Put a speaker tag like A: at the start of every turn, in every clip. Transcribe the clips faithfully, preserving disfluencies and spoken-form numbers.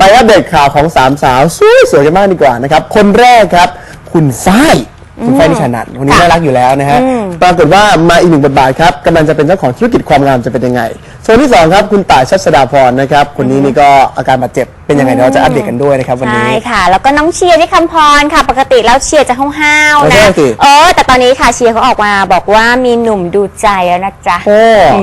A: เราว่าเด็กข่าวของสามสาวสวยสวยกันมากดีกว่านะครับคนแรกครับคุณฝ้ายคุณฝ้ายนิชานันท์คนนี้น่ารักอยู่แล้วนะฮะปรากฏว่ามาอีกหนึ่งบทบาทครับกำลังจะเป็นเจ้าของธุรกิจความงามจะเป็นยังไงส่วนที่สองครับคุณต่ายชัชดาพรนะครับคนนี้นี่ก็อาการบาดเจ็บเป็นยังไงเราจะอัปเดตกันด้วยนะครับวันนี้
B: ใช่ค่ะแล้วก็น้องเชียร์ที่คำพรค่ะปกติแล้วเชียร์จะห้าวๆนะเออแต่ตอนนี้ค่ะเชียร์เขาออกมาบอกว่ามีหนุ่มดูใจแล้วนะจ๊ะ
A: โอ้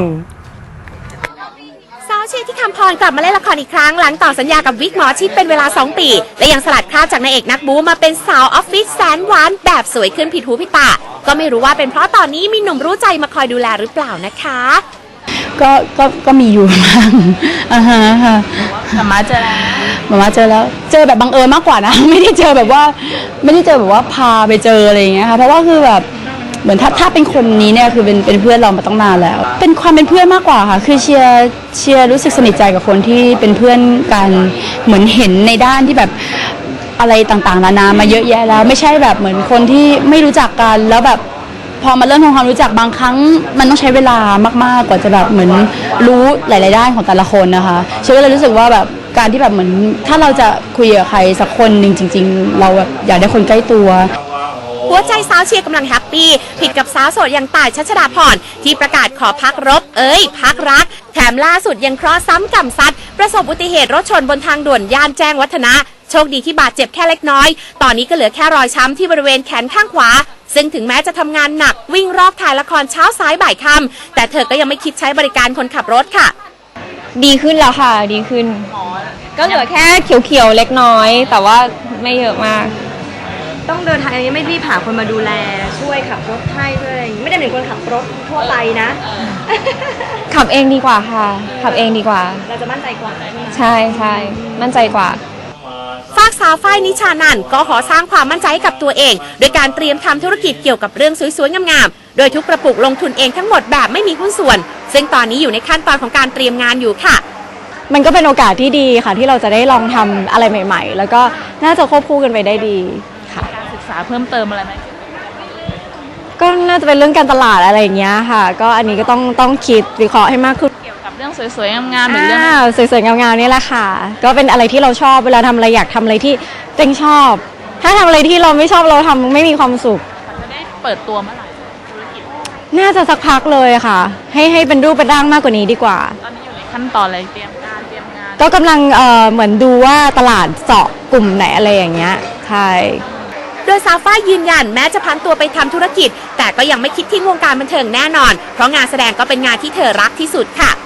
C: สาวเชียร์ที่คำพรกลับมาเล่นละครอีกครั้งหลังต่อสัญญากับวิกหมอชิดเป็นเวลาสองปีและยังสลัดคราบจากนายเอกนักบู๊มาเป็นสาวออฟฟิศแสนหวานแบบสวยขึ้นผิดหูผิดตาก็ไม่รู้ว่าเป็นเพราะตอนนี้มีหนุ่มรู้ใจมาคอยดูแลหรือเปล่านะคะ
D: ก็ก็ก็มีอยู่บ้างอ่าฮะค่ะมาม่าเจอแล้วมาม่าเจอแล้วเจอแบบบังเอิญมากกว่านะไม่ได้เจอแบบว่าไม่ได้เจอแบบว่าพาไปเจออะไรอย่างเงี้ยค่ะเพราะว่าคือแบบเหมือนถ้าถ้าเป็นคนนี้เนี่ยคือเป็นเป็นเพื่อนเรามาตั้งนานแล้วเป็นความเป็นเพื่อนมากกว่าค่ะคือเชียร์เชียร์รู้สึกสนิทใจกับคนที่เป็นเพื่อนกันเหมือนเห็นในด้านที่แบบอะไรต่างๆนานามาเยอะแยะแล้วไม่ใช่แบบเหมือนคนที่ไม่รู้จักกันแล้วแบบพอมาเริ่มทำความรู้จักบางครั้งมันต้องใช้เวลามากๆกว่าจะแบบเหมือนรู้หลายๆด้านของแต่ละคนนะคะเชื่อว่าเรารู้สึกว่าแบบการที่แบบเหมือนถ้าเราจะคุยกับใครสักคนหนึ่งจริงๆเราแบบอยากได้คนใกล้ตัว
C: หัวใจสาวเชียร์กำลังแฮปปี้ผิดกับสาวโสดอย่างต่ายชัชดาพรที่ประกาศขอพักรบเอ้ยพักรักแถมล่าสุดยังเคราะห์ซ้ำกรรมซัดประสบอุบัติเหตุรถชนบนทางด่วนย่านแจ้งวัฒนะโชคดีที่บาดเจ็บแค่เล็กน้อยตอนนี้ก็เหลือแค่รอยช้ำที่บริเวณแขนข้างขวาซึ่งถึงแม้จะทำงานหนักวิ่งรอบถ่ายละครเช้าสายบ่ายค่ำแต่เธอก็ยังไม่คิดใช้บริการคนขับรถค่ะ
E: ดีขึ้นแล้วค่ะดีขึ้นก็เหลือแค่เขียวๆเล็กน้อยแต่ว่าไม่เยอะมาก
F: ต้องเดินทางอย่างนี้ไม่รีบหาคนมาดูแลช่วยขับรถให้ด้วยไม่ได้เหมือนคนขับรถทั่วไปนะ
E: ขับเองดีกว่าค่ะขับเองดีกว่า
F: เราจะมั่นใจกว่า
E: ใช่ใช่มั่นใจกว่า
C: ฝากสาวฝ้ายนิชานันท์ก็ขอสร้างความมั่นใจให้กับตัวเองโดยการเตรียมทำธุรกิจเกี่ยวกับเรื่องสวยๆงามๆโดยทุกกระปุกลงทุนเองทั้งหมดแบบไม่มีหุ้นส่วนซึ่งตอนนี้อยู่ในขั้นตอนของการเตรียมงานอยู่ค่ะ
D: มันก็เป็นโอกาสที่ดีค่ะที่เราจะได้ลองทำอะไรใหม่ๆแล้วก็น่าจะควบคู่กันไปได้ดีค่ะ
G: การศึกษาเพิ่มเติมอะไรไหม
D: ก็น่าจะเป็นเรื่องการตลาดอะไรอย่างเงี้ยค่ะก็อันนี้ก็ต้องต้องคิดวิเคราะห์ให้มากขึ้น
G: เกี่ยวกับเรื่องสวยๆงามๆหรือเรื่อง
D: สวยๆงามๆนี่แหละค่ะก็เป็นอะไรที่เราชอบเวลาทำอะไรอยากทำอะไรที่เต็งชอบถ้าทำอะไรที่เราไม่ชอบเราทำไม่มีความสุข
G: มันจะได้เปิดตัวเมื่อไหร่ธุรกิจ
D: น่าจะสักพักเลยค่ะให้ให้เป็นรูปเป็นร่างมากกว่านี้ดีกว่า
G: ตอนนี้อยู่ในขั้นตอนอะไรเตรียมการเตรียมงาน
D: ก็กำลังเอ่อเหมือนดูว่าตลาดเจาะกลุ่มไหนอะไรอย่างเงี้ยใช่
C: โดยสาวฝ้ายยืนยันแม้จะพันตัวไปทำธุรกิจแต่ก็ยังไม่คิดทิ้งวงการบันเทิงแน่นอนเพราะงานแสดงก็เป็นงานที่เธอรักที่สุดค่ะ